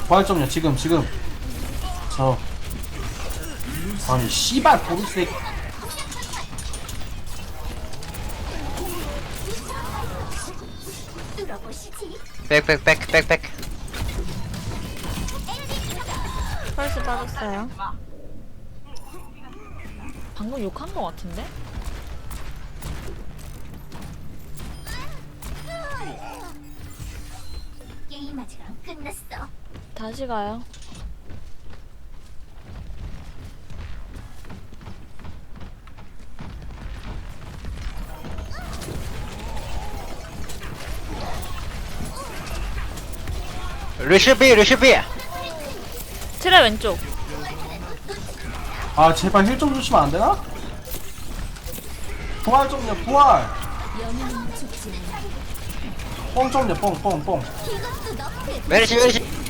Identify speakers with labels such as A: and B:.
A: 부활 좀요. 지금. 저. 아니 씨발 보루스.
B: 백백백백백.
C: 펄스 빠졌어요. 방금 욕한 거 같은데?
D: 게임 아직 안 끝났어.
C: 다시 가요.
B: 루시비.
C: 트레 왼쪽.
A: 아 제발 힐 좀 주시면 안 되나? 부활 좀요. 부활. 뽕 좀요. 뽕.
D: 이것도 너프의
B: 메르시.